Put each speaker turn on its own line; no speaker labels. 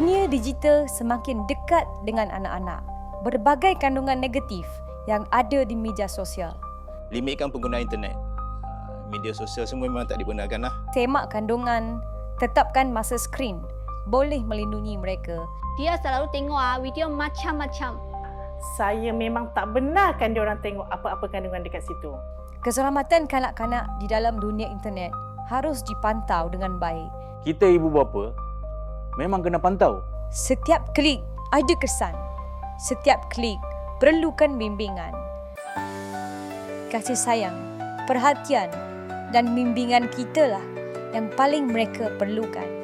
Dunia digital semakin dekat dengan anak-anak. Berbagai kandungan negatif yang ada di media sosial.
Limitkan penggunaan internet. Media sosial semua memang tak dibenarkan lah.
Semak kandungan, tetapkan masa skrin. Boleh melindungi mereka.
Dia selalu tengok video macam-macam.
Saya memang tak benarkan dia orang tengok apa-apa kandungan dekat situ.
Keselamatan kanak-kanak di dalam dunia internet harus dipantau dengan baik.
Kita ibu bapa memang kena pantau.
Setiap klik ada kesan. Setiap klik perlukan bimbingan. Kasih sayang, perhatian dan bimbingan kitalah yang paling mereka perlukan.